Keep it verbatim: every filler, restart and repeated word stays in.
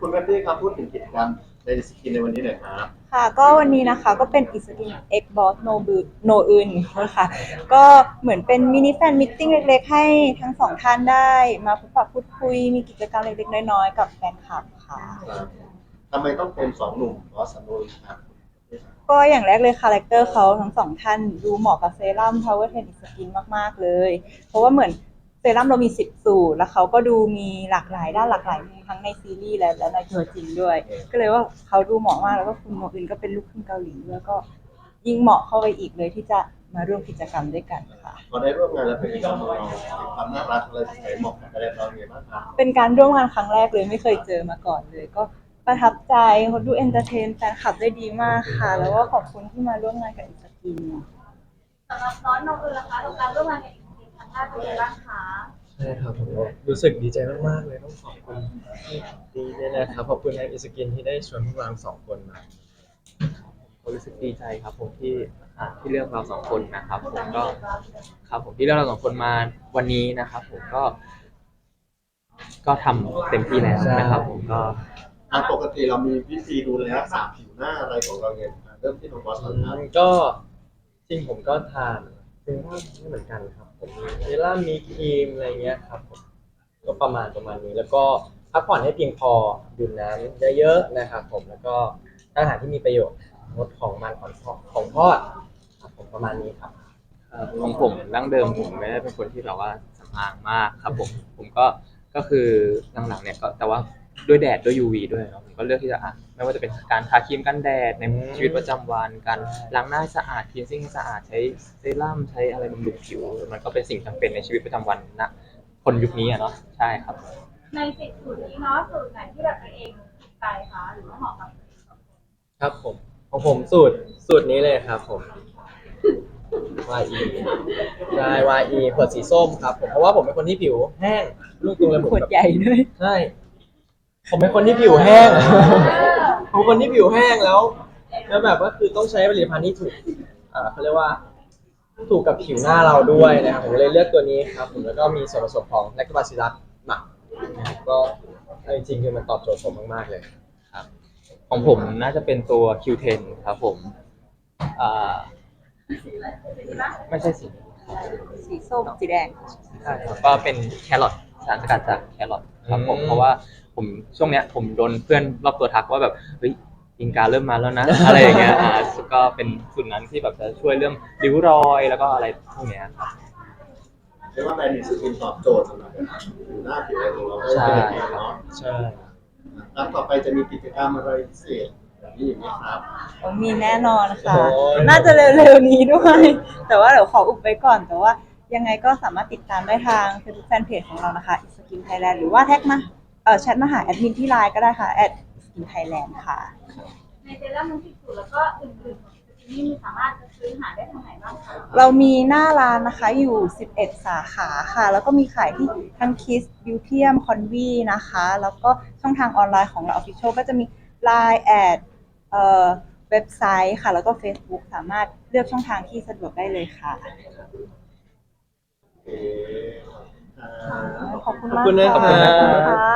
คุณแพตตี้ครับพูดถึงกิจกรรมในสกินในวันนี้หน่อยครับค่ะก็วันนี้นะคะก็เป็นอิสกิน X Boss No บือ No อื่นค่ะก็เหมือนเป็นมินิแฟนมิทติ้งเล็กๆให้ทั้งสองท่านได้มาพบปะพูดคุยมีกิจกรรมเล็กๆน้อยๆกับแฟนคลับค่ะทำไมต้องเป็นสองหนุ่มบอสโนนครับก็อย่างแรกเลยคาแรคเตอร์เขาทั้งสองท่านดูเหมาะกับเซรั่ม Power สิบ Skin มากๆเลยเพราะว่าเหมือนเซรั่มเรามีสิบสูตรแล้วเขาก็ดูมีหลากหลายด้านหลากหลายทั้งในซีรีส์และและในตัวจริงด้วยก็เลยว่าเขาดูเหมาะมากแล้วก็คุณโมอื่นก็เป็นลูกครึ่งเกาหลีด้วยก็ยิ่งเหมาะเข้าไปอีกเลยที่จะมาร่วมกิจกรรมด้วยกันค่ะพอได้ร่วมงานแล้วเป็นยังไงบ้างเราความน่ารักอะไรใส่เหมาะกับอะไรเราอย่างไรบ้างครับเป็นการร่วมงานครั้งแรกเลยไม่เคยเจอมาก่อนเลยก็ประทับใจเขาดูเอนเตอร์เทนแฟนคลับได้ดีมากค่ะแล้วก็ขอบคุณที่มาร่วมงานกับอิสกินสำหรับน้องนองเอิญนะคะกับการร่วมงานกับอีกครั้งแรกเป็นยังไงบ้างคะใช่ครับผมก็รู้สึกดีใจมากๆเลยต้องขอบคุณที่ดีด้วยนะครับขอบคุณแอปอิสกินที่ได้ชวนพวกเราสองคนมาผมรู้สึกดีใจครับผมที่อ่าที่เลือกเราสองคนนะครับผมก็ครับผมที่เลือกเราสองคนมาวันนี้นะครับผมก็ก็ทำเต็มที่แล้วนะครับผมก็อ่าปกติเรามีวิธีดูแลรักษาผิวหน้าอะไรของเราเนี่ยเริ่มที่น้องบอสก่อนครับก็จริงผมก็ทานเซรั่มไม่เหมือนกันครับผมมีเซรั่มมีครีมอะไรเงี้ยครับผมก็ประมาณประมาณนี้แล้วก็พักผ่อนให้เพียงพอดื่มน้ำเยอะๆนะครับผมแล้วก็อาหารที่มีประโยชน์งดของมันของทอดของทอดครับผมประมาณนี้ครับของผมดั้งเดิมผมไม่ได้เป็นคนที่แบบว่าสำอางมากครับผมผมก็ก็คือหลังๆเนี่ยก็แต่ว่าด้วยแดดด้วย ยู วี ด้วยเนาะผมก็เลือกที่จะอ่ะไม่ว่าจะเป็นการทาครีมกันแดดในชีวิตประจำวันการล้างหน้าให้สะอาดคลีนซิ่งให้สะอาดใช้เซรั่มใช้อะไรบำรุงผิวมันก็เป็นสิ่งจำเป็นในชีวิตประจำวันนะคนยุคนี้อ่ะเนาะใช่ครับในสิบสูตรนี้เนาะสูตรไหนที่แบบตัวเองถูกใจคะหรือว่าเหมาะกับตัวเองครับผมของผมสูตรสูตรนี้เลยครับผม วาย อี ใช่ วาย อี ขวดสีส้มครับผมเพราะว่าผมเป็นคนที่ผิวแห้งลูกตัวเลยผมขวดใหญ่ด้วยใช่ผมเป็นคนที่ผิวแห้งผมเป็นคนที่ผิวแห้งแล้วแล้วแบบว่าคือต้องใช้ผลิตภัณฑ์ที่ถูกอ่าเขาเรียกว่าถูกกับผิวหน้าเราด้วยนะครับผมเลยเลือกตัวนี้ครับผมแล้วก็มีส่วนผสมของแลคโตบาซิลลัสหมักนะครับก็จริงๆคือมันตอบโจทย์ผมมากๆเลยครับของผมน่าจะเป็นตัว คิว เท็น ครับผมอ่าไม่ใช่สีสีส้มสีแดงใช่ครับก็เป็นแครอทสารสกัดจากแครอทครับผมเพราะว่าผมช่วงเนี้ยผมโดนเพื่อนรอบตัวทักว่าแบบเฮ้ยกินกาเริ่มมาแล้วนะ อะไรอย่างเงี้ยอ่าก็เป็นส่วนนั้นที่แบบจะช่วยเรื่องริ้วรอยแล้วก็อะไรพวกเนี้ยครับเรียกว่าแบรนด์สกินตอบโจทย์สำหรับผิวหน้าผิวอะไรของเราได้ใช่เป็นอย่างดีเนาะใช่แล้วต่อไปจะมีกิจกรรมอะไรพิเศษแบบนี้อย่างนี้ครับมีแน่นอนค่ะน่าจะเร็วๆนี้ด้วยแต่ว่าเดี๋ยวขออุบไว้ก่อนแต่ว่ายังไงก็สามารถติดตามได้ทาง Facebook Fanpage ของเรานะคะ Skin Thailand หรือว่าแท็กมาเอ่อแชทมาหาแอดมินที่ไลน์ก็ได้ค่ะ แอท Skin Thailand ค่ะในเซรั่มทั้งสิบสูตรแล้วก็อื่นๆของสกินนี่มีสามารถซื้อหาได้ทางไหนบ้างคะเรามีหน้าร้านนะคะอยู่สิบเอ็ดสาขาค่ะแล้วก็มีขายที่ทั้ง Kiss Beautium Convi นะคะแล้วก็ช่องทางออนไลน์ของเรา Official ก็จะมี ไลน์ แอดเอ่อเว็บไซต์ค่ะแล้วก็ Facebook สามารถเลือกช่องทางที่สะดวกได้เลยค่ะโอเคขอบคุณขอบมากคุณนะครัค่ะบ